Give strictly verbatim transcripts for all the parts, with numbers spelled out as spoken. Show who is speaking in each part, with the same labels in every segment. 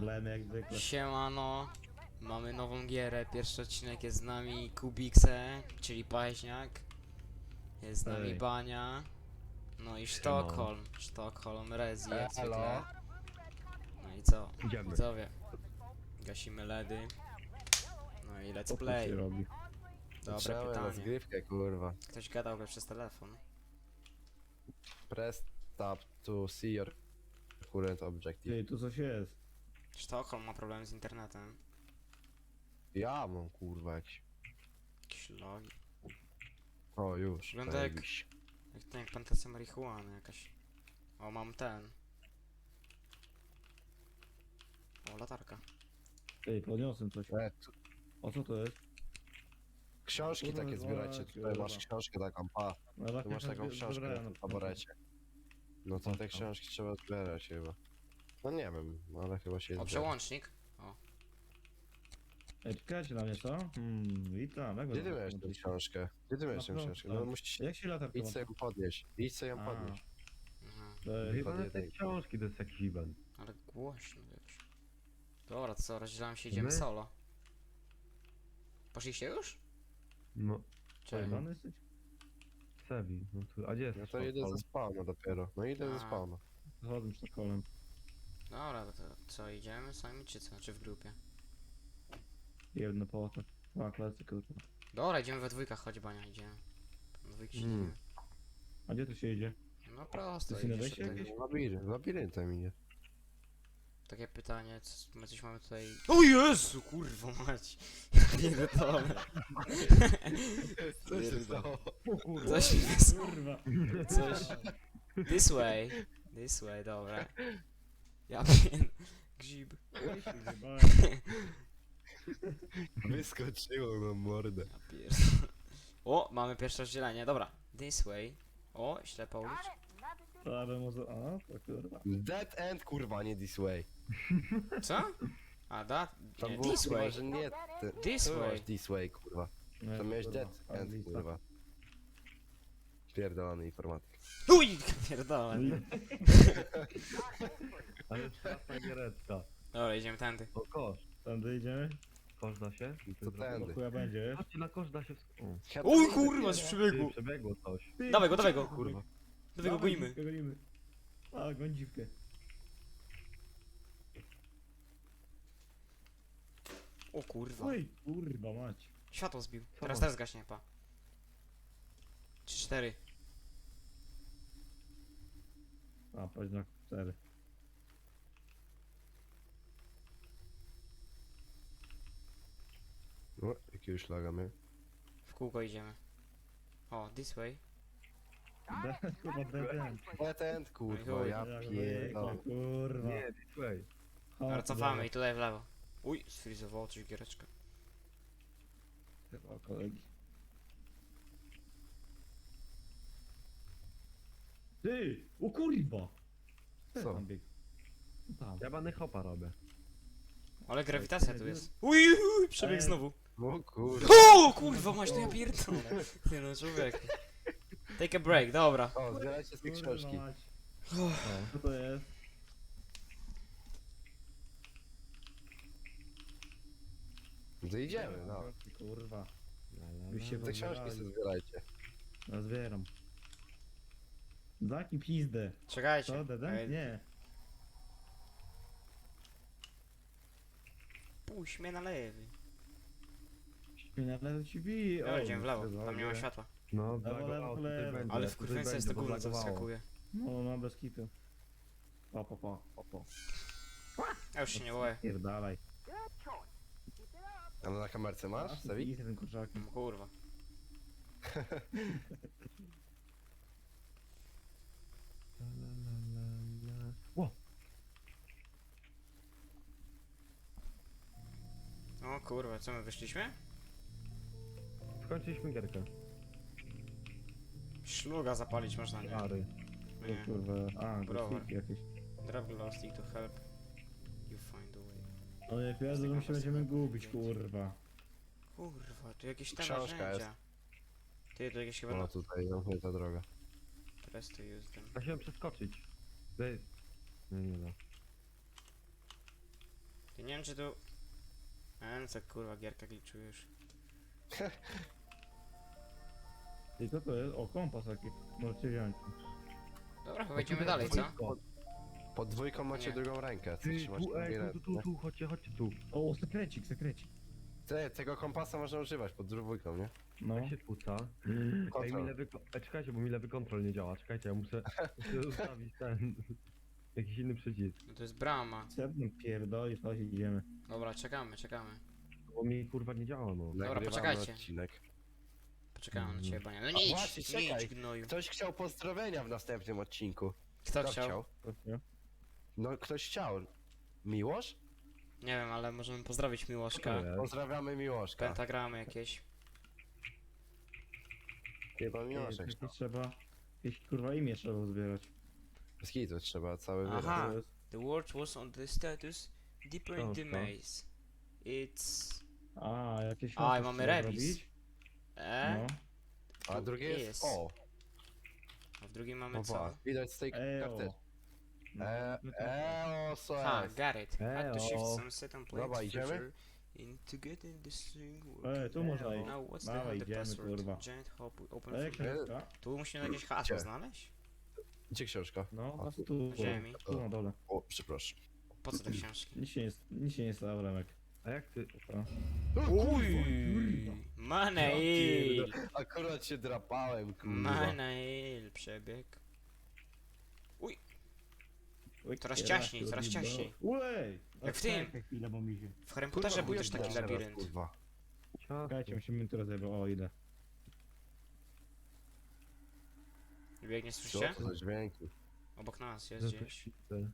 Speaker 1: Problemy jak zwykle.
Speaker 2: Siemano, mamy nową gierę, pierwszy odcinek jest z nami Kubikse, czyli Paźniak. Jest z nami
Speaker 1: Ej.
Speaker 2: Bania. No i Sztokholm, Sztokholm, Rezi jak zwykle. No i co?
Speaker 3: Idziemy.
Speaker 2: Widzowie, gasimy ledy. No i let's
Speaker 1: Co tu się
Speaker 2: play.
Speaker 1: robi?
Speaker 2: Dobre
Speaker 4: Trzeba na
Speaker 2: pytanie.
Speaker 4: zgrywkę, kurwa.
Speaker 2: Ktoś gadał go przez telefon.
Speaker 4: Press tab to see your current objective.
Speaker 1: Ty, tu coś jest.
Speaker 2: Sztokholm ma problem z internetem.
Speaker 4: Ja mam, kurwa, jakiś...
Speaker 2: Jakieś logi.
Speaker 4: O, już.
Speaker 2: Wygląda jak-
Speaker 4: zajebiście.
Speaker 2: Jak ten, jak plantacja marihuany jakaś. O, mam ten. O, latarka.
Speaker 1: Ty, podniosłem coś.
Speaker 4: E, tu...
Speaker 1: O co to jest?
Speaker 4: Książki
Speaker 1: Kurwa,
Speaker 4: takie zbierajcie,
Speaker 1: kurwa.
Speaker 4: tutaj masz książkę taką, pa.
Speaker 1: No,
Speaker 4: Tu
Speaker 1: tak
Speaker 4: masz taką książkę na tym taborecie. No to te książki trzeba zbierać chyba. No nie wiem, ale chyba się
Speaker 2: O,
Speaker 4: zbiera.
Speaker 2: przełącznik.
Speaker 1: Ej, czekajcie na mnie, co? Hmm, witam. Jak
Speaker 4: Gdzie ty
Speaker 1: was-
Speaker 4: miałeś tę książkę? Gdzie ty miałeś tę
Speaker 1: Na
Speaker 4: książkę?
Speaker 1: pewno.
Speaker 4: No musisz...
Speaker 1: Jak się latarka
Speaker 4: Idź sobie ją podnieść. Idź sobie ją
Speaker 1: A.
Speaker 4: podnieść.
Speaker 2: Mhm.
Speaker 1: Ej,
Speaker 3: Wyjebane te
Speaker 4: jedynkę.
Speaker 3: książki, to jest jakiś event.
Speaker 2: Ale głośno jakoś. Dobra, to co, rozdzielam się, idziemy
Speaker 3: My?
Speaker 2: solo. Poszliście już?
Speaker 3: No,
Speaker 2: Czy...
Speaker 1: pojebany jesteś?
Speaker 3: Sevi, no tu, a gdzie jest
Speaker 4: No to idę ze spawna dopiero. No idę ze
Speaker 2: A.
Speaker 4: spawna.
Speaker 1: Zachodzę z Sztokholmem.
Speaker 2: Dobra, to, to co, idziemy sami czy co? Czy w grupie?
Speaker 1: Jedno po to. Dwa klasy, kurwa.
Speaker 2: Dobra, idziemy we dwójkach, chodź Bania, idziemy. We dwójki się
Speaker 4: Mm.
Speaker 2: idziemy.
Speaker 1: A gdzie tu się idzie?
Speaker 2: No prosto,
Speaker 1: To jest inne
Speaker 2: idziesz
Speaker 1: wejście
Speaker 2: tutaj.
Speaker 1: jakieś?
Speaker 4: Labirynt, labiryntem idzie.
Speaker 2: Takie pytanie, co, my coś mamy tutaj... O Jezu, kurwa mać! Pierdolę.
Speaker 4: Co się stało?
Speaker 1: O kurwa.
Speaker 2: Coś mi wys...
Speaker 1: Kurwa.
Speaker 2: Coś... This way. This way, dobra. Ja wiem. Grzyb.
Speaker 1: Oj, się zjebałem.
Speaker 4: Wyskoczyło na mordę.
Speaker 2: Ja pierdolę. O, mamy pierwsze rozdzielenie, dobra. This way. O, ślepa ulicz.
Speaker 1: To aby może... A, to kurwa.
Speaker 4: Dead end, kurwa, nie this way.
Speaker 2: Co? A, da?
Speaker 4: Tam
Speaker 2: Nie,
Speaker 4: było,
Speaker 2: this
Speaker 4: kurwa,
Speaker 2: way.
Speaker 4: że nie... Ty,
Speaker 2: This
Speaker 4: ty
Speaker 2: way.
Speaker 4: masz this way, kurwa.
Speaker 1: Nie,
Speaker 4: To miałeś
Speaker 1: kurwa,
Speaker 4: dead end,
Speaker 1: anglista.
Speaker 4: kurwa. Pierdolony informatyk.
Speaker 2: Uj, pierdolę.
Speaker 3: Ale straszna giereczka.
Speaker 2: Dobra, idziemy tędy.
Speaker 3: O, kosz.
Speaker 1: Tam dojedziemy?
Speaker 3: Kosz da się?
Speaker 4: To tędy.
Speaker 1: To chuja będzie, wiesz?
Speaker 3: Chodźcie na kosz da się w... O.
Speaker 2: Uj, kurwa, z
Speaker 3: Ty,
Speaker 2: przebiegu.
Speaker 3: przebiegło coś.
Speaker 1: Ty,
Speaker 2: Dawaj go, dawaj go.
Speaker 4: Kurwa.
Speaker 2: Dawaj go, gonimy.
Speaker 1: dziwkę, gonimy. A, goń dziwkę.
Speaker 2: O kurwa.
Speaker 1: Oj, kurwa mać.
Speaker 2: Światło zbił.
Speaker 3: Co
Speaker 2: Teraz
Speaker 3: masz?
Speaker 2: teraz gaśnie, pa. Trzy, cztery.
Speaker 1: A, patrz na cztery.
Speaker 4: No, jakiegoś laga mnie.
Speaker 2: W kółko idziemy. O, this way.
Speaker 1: De- Kurwa, dead end.
Speaker 4: Dead end, kurwa,
Speaker 2: Chuj.
Speaker 4: ja
Speaker 1: Jak
Speaker 4: pierdolę.
Speaker 1: zwykle, Kurwa.
Speaker 3: Nie, this way.
Speaker 2: Dobra,
Speaker 1: Chodź,
Speaker 2: cofamy i tutaj w lewo. Uj, sfrizowało coś giereczkę.
Speaker 1: Chyba kolegi. Ty! O kurwa!
Speaker 4: Co?
Speaker 1: Tam biegł? Tam.
Speaker 3: Ja bany hopa robię.
Speaker 2: Ale grawitacja tu jest. Uj, uj, przebieg
Speaker 1: Ej.
Speaker 2: znowu.
Speaker 4: No kurwa.
Speaker 2: O, kurwa, masz to ja pierdolę. Ty no, człowieku. Take a break, dobra.
Speaker 4: O, zbierajcie z tej
Speaker 1: Kurwa
Speaker 4: książki.
Speaker 1: mać.
Speaker 3: No.
Speaker 1: Co to jest?
Speaker 4: To idziemy, no.
Speaker 1: Kurwa.
Speaker 3: La, la,
Speaker 1: Byś się
Speaker 3: la.
Speaker 4: Te książki sobie zbierajcie.
Speaker 1: Ja zbieram. Zaki pizdę.
Speaker 2: Czekajcie.
Speaker 1: Co, dead end?
Speaker 2: Ej,
Speaker 1: Nie.
Speaker 2: Puść mnie na lewy.
Speaker 1: Mnie na lewo ci bije.
Speaker 2: Dobra,
Speaker 1: O,
Speaker 2: idziemy w lewo,
Speaker 1: no,
Speaker 2: tam nie ma
Speaker 1: dobra.
Speaker 2: światła.
Speaker 3: No,
Speaker 1: Lewo,
Speaker 3: blagowało,
Speaker 1: lewo,
Speaker 3: tutaj
Speaker 1: lewo.
Speaker 3: będzie,
Speaker 2: Ale w
Speaker 3: tutaj
Speaker 2: kurwience jest
Speaker 3: będzie,
Speaker 2: to
Speaker 3: bo
Speaker 2: gówno, co
Speaker 3: blagowało.
Speaker 2: wyskakuje.
Speaker 1: No, no, bez kitu. Pa, pa, pa, pa, pa.
Speaker 2: Ja już się nie boję.
Speaker 1: Pierdalaj.
Speaker 4: Ale na kamerce masz, Sewi?
Speaker 1: Idź ten kurczak.
Speaker 2: Mm, Kurwa.
Speaker 3: La, la, la, la, la. Ło!
Speaker 2: O kurwa, co my wyszliśmy?
Speaker 3: Skończyliśmy gierkę.
Speaker 2: Szluga zapalić można, nie?
Speaker 3: Ary.
Speaker 1: O
Speaker 2: Nie.
Speaker 1: kurwa. A,
Speaker 2: Browar.
Speaker 1: grafiki jakieś.
Speaker 2: Drop glow stick to help you find a way.
Speaker 1: No nie pierdolę, że my się będziemy gubić, kurwa.
Speaker 2: Kurwa, tu jakieś tam
Speaker 4: Książka
Speaker 2: narzędzia. Ty, tu jakieś chyba
Speaker 4: No
Speaker 2: na...
Speaker 4: tutaj, zamknięta droga.
Speaker 2: Press to use them.
Speaker 3: Da się przeskoczyć. Wy... Nie, nie da.
Speaker 2: Ja nie wiem czy tu... A no co kurwa, gierka glitchuje już.
Speaker 1: I co to jest? O, kompas taki. Możecie wziąć.
Speaker 2: Dobra, chyba idziemy dalej, co?
Speaker 4: Pod, pod dwójką macie
Speaker 2: Nie.
Speaker 4: drugą rękę, co
Speaker 3: Ty,
Speaker 4: trzymacie
Speaker 3: tu, ej,
Speaker 4: drugiej
Speaker 3: tu, tu,
Speaker 4: ręce,
Speaker 3: tu, tu, chodźcie, chodźcie tu.
Speaker 1: O, sekrecik, sekrecik.
Speaker 4: Te, tego kompasa można używać pod dwójką, nie?
Speaker 1: No.
Speaker 3: Jak się tłuca. Ej, mi
Speaker 4: Kontrol.
Speaker 3: lewy, ko- ej, czekajcie, bo mi lewy kontrol nie działa. Czekajcie, ja muszę, muszę ustawić ten... Jakiś inny przycisk.
Speaker 2: No to jest brama.
Speaker 1: Sedno pierdoli, to idziemy.
Speaker 2: Dobra, czekamy, czekamy.
Speaker 3: Bo mi kurwa nie działa, no.
Speaker 4: Nagrywamy
Speaker 2: poczekajcie.
Speaker 4: odcinek.
Speaker 2: Poczekamy na ciebie, Bania. No
Speaker 4: A
Speaker 2: nie idź,
Speaker 4: właśnie,
Speaker 2: nie
Speaker 4: czekaj.
Speaker 2: idź gnoju.
Speaker 4: Ktoś chciał pozdrowienia w następnym odcinku.
Speaker 2: Kto
Speaker 4: Kto
Speaker 2: chciał?
Speaker 4: chciał?
Speaker 1: Chodźcie.
Speaker 4: No, ktoś chciał. Miłosz?
Speaker 2: Nie wiem, ale możemy pozdrowić Miłoszka.
Speaker 3: To jest.
Speaker 4: Pozdrawiamy Miłoszka.
Speaker 2: Pentagramy jakieś.
Speaker 4: Chyba
Speaker 1: Ej,
Speaker 4: Miłoszek
Speaker 1: jakieś
Speaker 4: chciał.
Speaker 1: trzeba... Jakieś kurwa imię trzeba zbierać.
Speaker 4: Z kitu trzeba cały wyraz.
Speaker 2: Aha.
Speaker 1: To jest...
Speaker 2: The word was on the status deeper in the
Speaker 3: Książka.
Speaker 2: maze. It's...
Speaker 1: A, jakieś...
Speaker 2: A, i
Speaker 1: opis
Speaker 2: mamy
Speaker 1: trzeba
Speaker 2: remis.
Speaker 1: zrobić.
Speaker 2: E?
Speaker 1: No.
Speaker 4: A drugie jest
Speaker 2: Jest.
Speaker 4: O.
Speaker 2: A w drugim mamy
Speaker 4: No
Speaker 2: co?
Speaker 4: ba, widać z tej
Speaker 1: Eo.
Speaker 4: karty.
Speaker 1: No,
Speaker 4: E,
Speaker 1: no to-
Speaker 4: Eo, co
Speaker 2: Ha,
Speaker 4: jest?
Speaker 2: got it. Had to shift
Speaker 3: Eo.
Speaker 2: some set and play
Speaker 4: Dobra, idziemy?
Speaker 2: feature in to get in the string work.
Speaker 1: Ej, tu można iść.
Speaker 2: Now what's the,
Speaker 1: Dawaj,
Speaker 2: the
Speaker 1: idziemy,
Speaker 2: password?
Speaker 1: kurwa.
Speaker 2: Giant hop open
Speaker 1: Ej,
Speaker 2: from...
Speaker 1: książka.
Speaker 2: Tu musimy jakieś hasło
Speaker 4: Gdzie?
Speaker 2: znaleźć?
Speaker 4: Gdzie książka?
Speaker 1: No,
Speaker 4: A,
Speaker 1: a tu,
Speaker 2: Ziemi.
Speaker 1: tu na dole.
Speaker 4: O, przepraszam.
Speaker 2: Po co te książki?
Speaker 1: Nic się nie, nic się nie stało, Remek.
Speaker 3: A jak ty...
Speaker 1: To.
Speaker 2: Uj, Manail!
Speaker 4: Akurat się drapałem, kurwa.
Speaker 2: Manail, przebieg.
Speaker 1: Oj,
Speaker 2: Coraz
Speaker 1: kiera,
Speaker 2: ciaśniej, coraz
Speaker 1: kurwa.
Speaker 2: ciaśniej.
Speaker 1: Ej!
Speaker 2: Jak w tym.
Speaker 1: Chwilę, bo mi się...
Speaker 2: W Harry Potterze był też taki
Speaker 4: teraz,
Speaker 2: labirynt.
Speaker 4: Kurwa.
Speaker 1: Czekajcie, musimy teraz zajebać. O, idę.
Speaker 2: Biegnie,
Speaker 4: Co
Speaker 2: słyszycie?
Speaker 4: to za dźwięki?
Speaker 2: Obok nas jest gdzieś.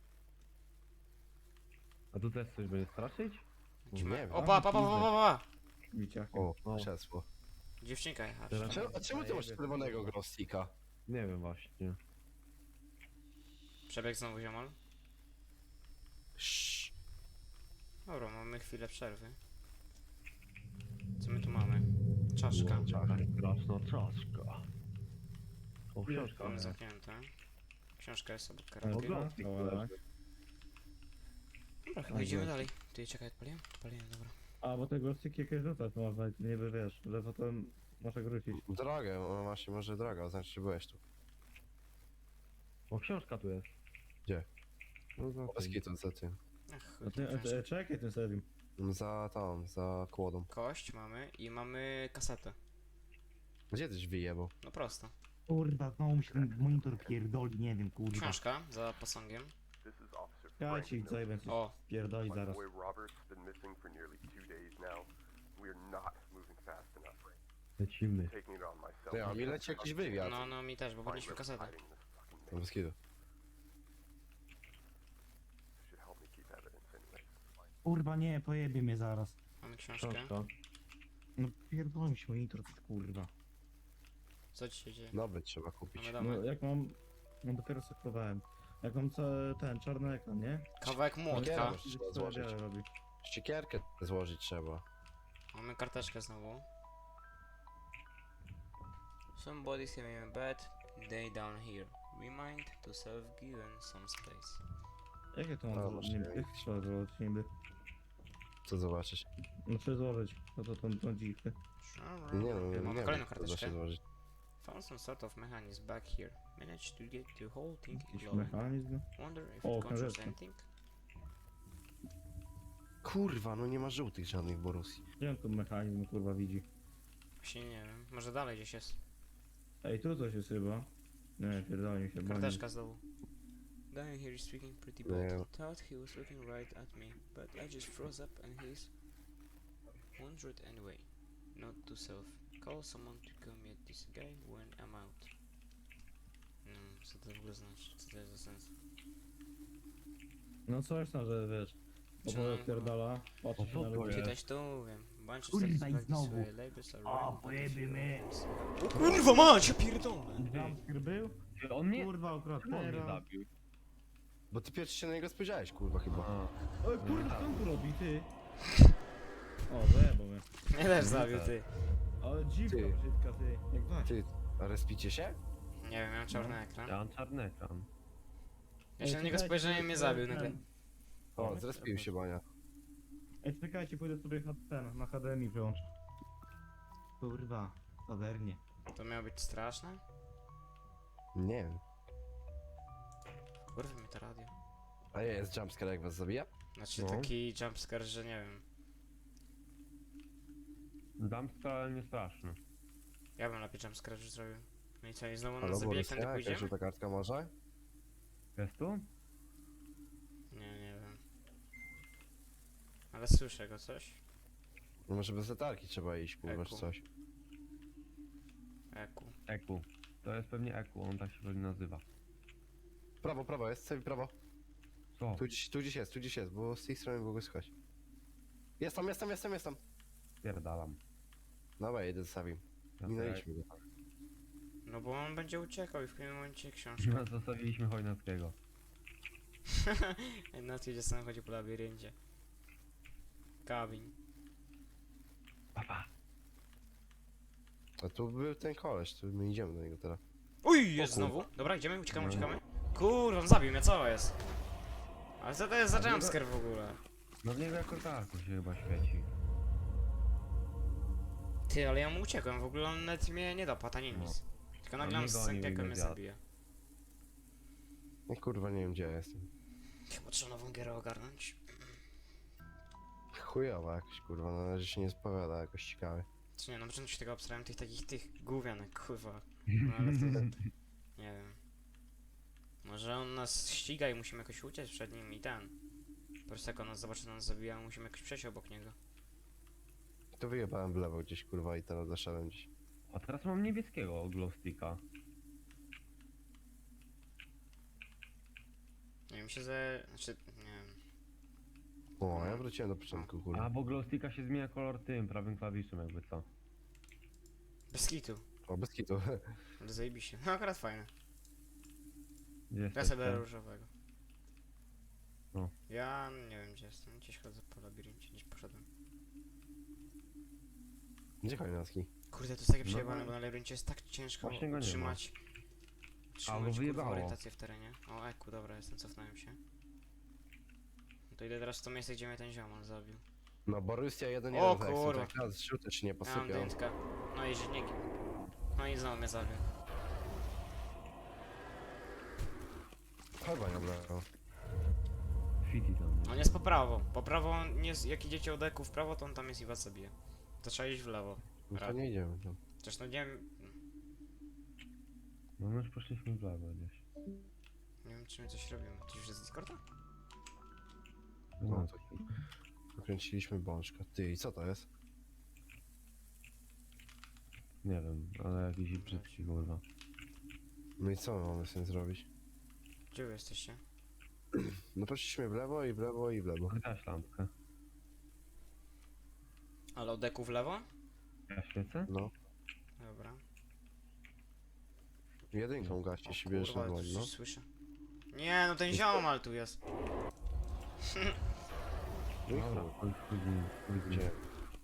Speaker 3: A tu też coś będzie straszyć?
Speaker 4: Nie wiem.
Speaker 2: O, pa, pa, pa, pa, pa, pa!
Speaker 1: Wiciachem.
Speaker 4: O,
Speaker 3: O.
Speaker 4: krzesło.
Speaker 2: Dziewczynka jechać.
Speaker 3: Teraz-
Speaker 4: A czemu, a czemu ty masz czerwonego glowsticka?
Speaker 3: Nie wiem właśnie.
Speaker 2: Przebieg znowu ziomal.
Speaker 4: Sz.
Speaker 2: Dobra, mamy chwilę przerwy. Co my tu mamy? Czaszka.
Speaker 3: Straszna czaszka. O, książka.
Speaker 2: Mamy zamknięte. Książka jest obok
Speaker 1: Ale
Speaker 2: karabinu.
Speaker 3: Ogląd.
Speaker 1: Dobra.
Speaker 2: Dobra, chyba idziemy dalej. Ty, czekaj, odpaliłem? Odpaliłem, dobra.
Speaker 1: A, bo tego styki jakieś rzucać można, nie by wiesz, że potem może wrócić.
Speaker 4: Drogę, no właśnie może droga, znaczy że byłeś tu.
Speaker 3: O, książka tu jest.
Speaker 4: Gdzie?
Speaker 3: No za
Speaker 4: Bez
Speaker 3: tym.
Speaker 4: kitu za tym.
Speaker 2: Ach,
Speaker 1: A
Speaker 2: chuj,
Speaker 1: ty,
Speaker 2: tą
Speaker 1: a
Speaker 2: książkę.
Speaker 1: ty, czekaj ten serium.
Speaker 4: Za tą, za kłodą.
Speaker 2: Kość mamy i mamy kasetę.
Speaker 4: Gdzie tyś wyjebał?
Speaker 2: No prosto.
Speaker 5: Kurwa, znowu mi się ten monitor pierdoli, nie wiem, kurwa.
Speaker 2: Książka za posągiem.
Speaker 6: This is Officer
Speaker 1: Ja
Speaker 6: Frank
Speaker 1: ci zajmę coś
Speaker 2: O,
Speaker 1: pierdoli
Speaker 6: My
Speaker 1: zaraz.
Speaker 6: boy Robert's been missing for nearly two days now. We're not moving fast enough.
Speaker 3: Lecimy.
Speaker 6: Taking it on myself.
Speaker 4: Ty, a mi leci jakiś wywiad.
Speaker 2: no, no mi też, bo
Speaker 6: Find
Speaker 2: podnieśmy
Speaker 6: where
Speaker 2: kasetę.
Speaker 6: hiding this fucking
Speaker 4: No
Speaker 6: man.
Speaker 4: bez kitu.
Speaker 6: Should help me keep evidence anyway.
Speaker 5: Kurwa, nie, pojebie mnie zaraz.
Speaker 2: Mamy książkę.
Speaker 3: Książka.
Speaker 5: No pierdoli mi się monitor, kurwa.
Speaker 2: Co ci się dzieje?
Speaker 4: Nowy trzeba kupić.
Speaker 2: Mamy
Speaker 1: No
Speaker 2: domek.
Speaker 1: jak mam... No dopiero sektowałem. Jak mam ca- ten czarny ekran, nie?
Speaker 2: Kawałek młotka.
Speaker 4: Trzeba
Speaker 1: To
Speaker 4: złożyć.
Speaker 1: wiele robi.
Speaker 4: Ściekierkę złożyć trzeba.
Speaker 2: Mamy karteczkę znowu. Somebody's having a bad day down here. Remind to self given some space.
Speaker 1: Jakie to
Speaker 4: A,
Speaker 1: mam
Speaker 4: masz
Speaker 1: złożyć?
Speaker 4: nie-
Speaker 1: Jak trzeba złożyć niby?
Speaker 4: Co zobaczysz?
Speaker 1: No trzeba złożyć. No to tą, tą dziwkę.
Speaker 4: Nie no, nie
Speaker 2: Mamy
Speaker 4: wiem,
Speaker 2: kolejną
Speaker 4: co da się
Speaker 2: karteczkę.
Speaker 4: złożyć.
Speaker 2: Found some sort of mechanism back here. Managed to get the whole thing
Speaker 1: Jakiś
Speaker 2: glowing.
Speaker 1: mechanizm.
Speaker 2: Wonder if
Speaker 1: O,
Speaker 2: it controls
Speaker 1: książeczka.
Speaker 2: anything?
Speaker 4: Kurwa, no nie ma żółtych żadnych Borusi.
Speaker 1: Gdzie on tu mechanizm kurwa widzi?
Speaker 2: Właśnie nie wiem. Może dalej gdzieś jest.
Speaker 1: Ej, tu coś jest chyba. Nie, pierdolę mi się, bo nie.
Speaker 2: Karteczka znowu. Down here is speaking pretty
Speaker 4: Nie.
Speaker 2: bad. Thought he was looking right at me, but I just froze up and he's wondered anyway. Not to self. Call someone to come meet this guy when I'm out. No, co to w ogóle znaczy? Co to jest za sens?
Speaker 1: No coś tam, że wiesz.
Speaker 2: Co?
Speaker 1: Opowiada pierdala, patrzy się
Speaker 3: co
Speaker 1: na
Speaker 3: to
Speaker 1: ludzi.
Speaker 3: jest?
Speaker 2: Czytać to wiem. Bunch of
Speaker 5: Kurwa,
Speaker 2: stuff
Speaker 5: i
Speaker 2: back this
Speaker 5: znowu.
Speaker 2: way. Labels are
Speaker 5: O,
Speaker 2: running, but
Speaker 5: pojebie
Speaker 2: if you-
Speaker 5: mnie.
Speaker 2: O kurwa mać, ja pierdolę!
Speaker 1: Jumpscare był?
Speaker 3: On mnie...
Speaker 1: Kurwa,
Speaker 3: Czemu on mnie
Speaker 1: okropnie.
Speaker 3: zabił?
Speaker 4: Bo ty pierwszy się na niego spojrzałeś, kurwa, chyba.
Speaker 3: A.
Speaker 1: Oj, kurwa, co on tu robi, ty? O, zajebał mnie.
Speaker 2: Mnie też zabił, ty.
Speaker 1: Ale dziwka
Speaker 4: Ty.
Speaker 1: brzydka, ty. Jak Waś.
Speaker 4: Ty, a respicie się?
Speaker 2: Nie wiem, miałem czarny ekran.
Speaker 3: Ja mam czarny ekran.
Speaker 2: Ja się na niego spojrzałem i mnie zabił nagle.
Speaker 4: O, zrespił się Bania.
Speaker 1: Ej, czekajcie, pójdę sobie H- ten, na H D M I wyłączę.
Speaker 5: Kurwa, obernie.
Speaker 2: To miało być straszne?
Speaker 4: Nie wiem.
Speaker 2: Urwy mi to radio.
Speaker 4: A jest jumpscare jak was zabija?
Speaker 2: Znaczy
Speaker 3: No.
Speaker 2: taki jumpscare, że nie wiem.
Speaker 3: Dumpster, ale nie straszny.
Speaker 2: Ja bym lepiej jumpscare już zrobił. No i co, i znowu
Speaker 4: Halo,
Speaker 2: nas zabije, jak
Speaker 4: Borussia?
Speaker 2: tędy
Speaker 4: Jakaś
Speaker 2: pójdziemy?
Speaker 4: żółta kartka może?
Speaker 3: Jest tu?
Speaker 2: Nie, nie wiem. Ale słyszę go coś.
Speaker 4: No może bez letarki trzeba iść, kurwa, czy
Speaker 2: Eku.
Speaker 4: coś.
Speaker 2: Eku.
Speaker 3: Eku. To jest pewnie Eku, on tak się pewnie nazywa.
Speaker 4: Prawo, prawo, jest, sobie prawo.
Speaker 3: Co?
Speaker 4: Tu gdzieś, tu gdzieś jest, tu gdzieś jest, bo z tej strony było go słychać. Jest tam, jest tam, jest tam, jest tam.
Speaker 3: Pierdalam.
Speaker 4: Dobra, jedę za Savim.
Speaker 3: Ja
Speaker 4: Minęliśmy go.
Speaker 2: No bo on będzie uciekał i w pewnym momencie książka.
Speaker 3: No, zostawiliśmy Chojnackiego.
Speaker 2: Na tym sam chodzi po labiryncie. Kabin.
Speaker 3: Papa.
Speaker 4: A tu był ten koleś, tu my idziemy do niego teraz.
Speaker 2: Uj, jest
Speaker 4: O kurwa.
Speaker 2: znowu. Dobra, idziemy, uciekamy,
Speaker 3: No.
Speaker 2: uciekamy. Kurwa, on zabił mnie, co jest? Ale co to jest za
Speaker 3: A nie
Speaker 2: jumpscare w ogóle?
Speaker 3: No w niego jako tarku się chyba świeci.
Speaker 2: Ty, ale ja mu uciekłem, w ogóle on nawet mnie nie dopadł, ani
Speaker 3: No.
Speaker 2: nic. Tylko
Speaker 3: No
Speaker 2: nagle on
Speaker 3: nie
Speaker 2: z
Speaker 3: gonił i
Speaker 2: sępieką
Speaker 3: nie
Speaker 2: mnie
Speaker 3: zjadł.
Speaker 2: zabije.
Speaker 4: No kurwa, nie wiem gdzie ja jestem.
Speaker 2: Chyba trzeba nową gierę ogarnąć.
Speaker 4: Chujowa jakoś, kurwa, na razie się nie spowiada jakoś ciekawie.
Speaker 2: Czy nie, na początku się tego obsrałem tych takich, tych gównianek, kurwa. No ale to... Nie wiem. Może on nas ściga i musimy jakoś uciec przed nim i ten. Po prostu jak on nas zobaczy, to nas zabija, musimy jakoś przejść obok niego.
Speaker 4: To wyjebałem w lewo gdzieś, kurwa, i teraz zaszedłem gdzieś.
Speaker 3: A teraz mam niebieskiego glowsticka.
Speaker 2: Nie wiem, się ze... Znaczy, nie wiem.
Speaker 4: O, a ja wróciłem do początku, kurwa.
Speaker 3: A bo glowsticka się zmienia kolor tym, prawym klawiszem jakby co.
Speaker 2: Bez kitu.
Speaker 4: O, bez kitu.
Speaker 2: Ale zajebiście. No akurat fajne.
Speaker 3: Gdzie
Speaker 2: Ja
Speaker 3: jesteście?
Speaker 2: sobie biorę różowego.
Speaker 3: No.
Speaker 2: Ja nie wiem gdzie jestem, gdzieś chodzę po labiryncie, gdzieś poszedłem.
Speaker 4: Gdzie Chojnacki?
Speaker 2: Kurde, to jest takie
Speaker 3: No,
Speaker 2: przejebane,
Speaker 3: no.
Speaker 2: bo na labiryncie jest tak ciężko
Speaker 3: Właśnie go nie ma.
Speaker 2: trzymać...
Speaker 3: A,
Speaker 2: Trzymać
Speaker 3: bo
Speaker 2: kurwa
Speaker 3: wyjebało.
Speaker 2: orientację w terenie. O, eku, dobra, jestem, cofnąłem się. No to idę teraz w to miejsce, gdzie mnie ten ziomal zabił.
Speaker 4: No, Borussia jeden
Speaker 2: O,
Speaker 4: jeden, tak, są
Speaker 2: kurwa.
Speaker 4: tak raz rzuty czy nie
Speaker 2: Ja mam
Speaker 4: posypiał.
Speaker 2: dętkę. No i nie... No i znowu mnie zabił.
Speaker 4: Chyba nie było.
Speaker 3: Fiti tam.
Speaker 2: On jest po prawo. Po prawo, on jest, jak idziecie od eku w prawo, to on tam jest i was zabije. To trzeba iść w lewo.
Speaker 4: No to
Speaker 2: Rad.
Speaker 4: nie idziemy tam.
Speaker 2: Zresztą nie wiem...
Speaker 3: No my już poszliśmy w lewo gdzieś.
Speaker 2: Nie wiem, czy my coś robimy. Ty już jest z Discorda?
Speaker 4: No
Speaker 3: No,
Speaker 4: to Nakręciliśmy bączka. Ty, i co to jest?
Speaker 3: nie wiem, ale jakiś brzydki kurwa.
Speaker 4: No i co my mamy z tym zrobić?
Speaker 2: Gdzie wy jesteście?
Speaker 4: No poszliśmy w lewo i w lewo i w lewo.
Speaker 3: Gaś lampkę.
Speaker 2: Ale od eku w lewo?
Speaker 3: Ja świecę?
Speaker 4: No.
Speaker 2: Dobra.
Speaker 4: Jedynką gaście,
Speaker 2: O
Speaker 4: się bierzesz
Speaker 2: kurwa,
Speaker 4: normalnie,
Speaker 2: coś
Speaker 4: no.
Speaker 2: słyszę. Nie, no ten ziomal tu jest.
Speaker 4: No i
Speaker 3: Dobra,
Speaker 4: chuj.
Speaker 3: chuj, chuj, chuj, chuj.
Speaker 4: Gdzie?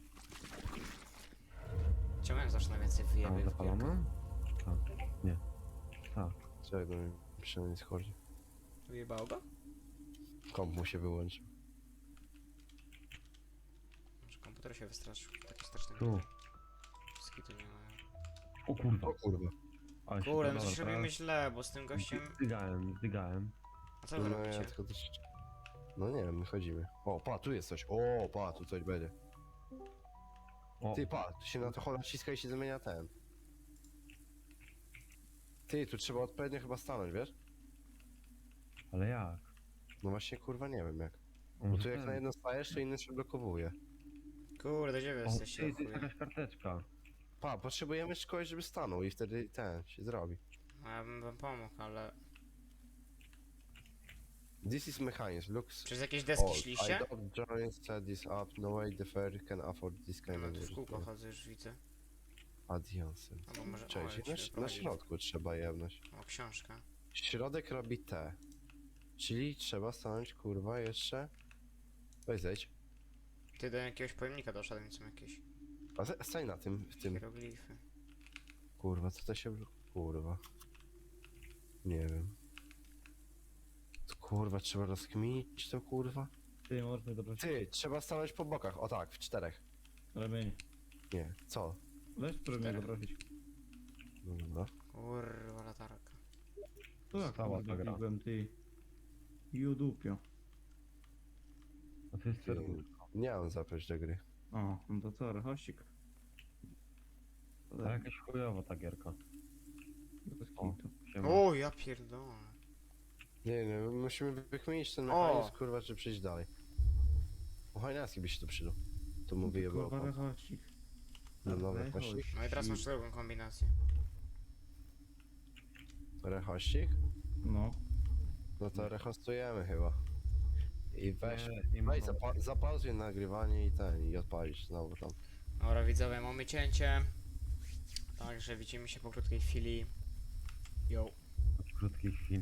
Speaker 2: Czemu jak zawsze najwięcej
Speaker 3: A,
Speaker 2: wyjebie w
Speaker 3: zapalamy? Tak, nie. Tak.
Speaker 4: Czekaj, do mnie przynajmniej schodzi.
Speaker 2: Wyjebało go?
Speaker 4: Komp mu się wyłączył.
Speaker 2: Może komputer się wystraszył. Taki straszny.
Speaker 3: Tu.
Speaker 2: Skitu nie mają.
Speaker 3: O kurwa.
Speaker 4: O kurwa.
Speaker 3: Ale się
Speaker 2: Kurde, no
Speaker 3: dobra,
Speaker 2: coś
Speaker 3: teraz-
Speaker 2: robimy źle, bo z tym gościem...
Speaker 3: Zdygałem, zdygałem.
Speaker 2: A co wy
Speaker 4: No ja
Speaker 2: robicie?
Speaker 4: tylko też... No nie wiem, my chodzimy. O, pa, tu jest coś. O, pa, tu coś będzie.
Speaker 3: O,
Speaker 4: Ty, pa, tu się na to chola naciska i się zmienia ten. Ty, tu trzeba odpowiednio chyba stanąć, wiesz?
Speaker 3: ale jak?
Speaker 4: No właśnie, kurwa, nie wiem jak.
Speaker 3: O,
Speaker 4: Bo
Speaker 3: że
Speaker 4: tu jak
Speaker 3: ten.
Speaker 4: na jedno stajesz, to inny się blokowuje.
Speaker 2: Kurde, gdzie wy
Speaker 3: O,
Speaker 2: jesteście?
Speaker 3: ty,
Speaker 2: o
Speaker 3: to jest
Speaker 2: chuje?
Speaker 3: jakaś karteczka.
Speaker 4: Pa, potrzebujemy kogoś, żeby stanął i wtedy ten się zrobi.
Speaker 2: A ja bym wam pomógł, ale...
Speaker 4: This is mechanizm, looks
Speaker 2: Przez jakieś deski
Speaker 4: old.
Speaker 2: szliście?
Speaker 4: I don't join set this up, no way the fair can afford this kind
Speaker 2: No
Speaker 4: of
Speaker 2: tu w kółko
Speaker 4: user.
Speaker 2: chodzę, już widzę.
Speaker 4: Adiosem.
Speaker 2: Albo może...
Speaker 4: Cześć,
Speaker 2: o, jak
Speaker 4: na,
Speaker 2: się
Speaker 4: na
Speaker 2: prowadzi.
Speaker 4: środku trzeba jebnąć.
Speaker 2: O, książka.
Speaker 4: Środek robi T. Czyli trzeba stanąć, kurwa, jeszcze... Weź zejdź.
Speaker 2: Ty do jakiegoś pojemnika doszedłem, są jakieś
Speaker 4: A ze- stań na tym, w tym...
Speaker 2: hieroglify.
Speaker 4: Kurwa, co to się... Kurwa. Nie wiem. To, kurwa, trzeba rozkminić to, kurwa.
Speaker 1: Ty, możesz mnie doprosić.
Speaker 4: Ty, trzeba stanąć po bokach, o tak, w czterech.
Speaker 1: Ramień.
Speaker 4: Nie, co?
Speaker 1: Weź, spróbuj mnie
Speaker 2: Cztery.
Speaker 1: doprosić.
Speaker 4: No dobra.
Speaker 2: Kurwa latarka.
Speaker 1: To jak
Speaker 3: Stała
Speaker 1: kurwa
Speaker 3: ta gra.
Speaker 1: klikłem, ty. Judupio.
Speaker 3: A to jest
Speaker 4: Ty,
Speaker 3: serduszko.
Speaker 4: nie mam zaprosić do gry.
Speaker 1: O, no to co, rechościk. To
Speaker 3: To
Speaker 1: tak,
Speaker 3: jakaś chujowa ta gierka.
Speaker 1: bez
Speaker 3: O.
Speaker 1: kitu.
Speaker 3: Siema.
Speaker 2: O, ja pierdolę.
Speaker 4: Nie, nie, musimy wykminić ten
Speaker 2: O!
Speaker 4: mechanizm, kurwa, czy przejść dalej. O Hajnacki by się to przydał. To mu wyjebało.
Speaker 1: Kurwa,
Speaker 4: pan.
Speaker 1: rechościk.
Speaker 4: No dobra,
Speaker 1: Rechościk.
Speaker 4: rechościk.
Speaker 2: No i teraz masz drugą kombinację.
Speaker 4: Rechościk?
Speaker 1: No.
Speaker 4: No to rehostujemy chyba. I weź,
Speaker 3: Nie, i
Speaker 4: weź
Speaker 3: mam-
Speaker 4: zapa zapauzuj nagrywanie i ten, i odpalić znowu tam.
Speaker 2: Dobra widzowie, mamy cięcie. Także widzimy się po krótkiej chwili. Yo.
Speaker 3: w krótkiej chwili.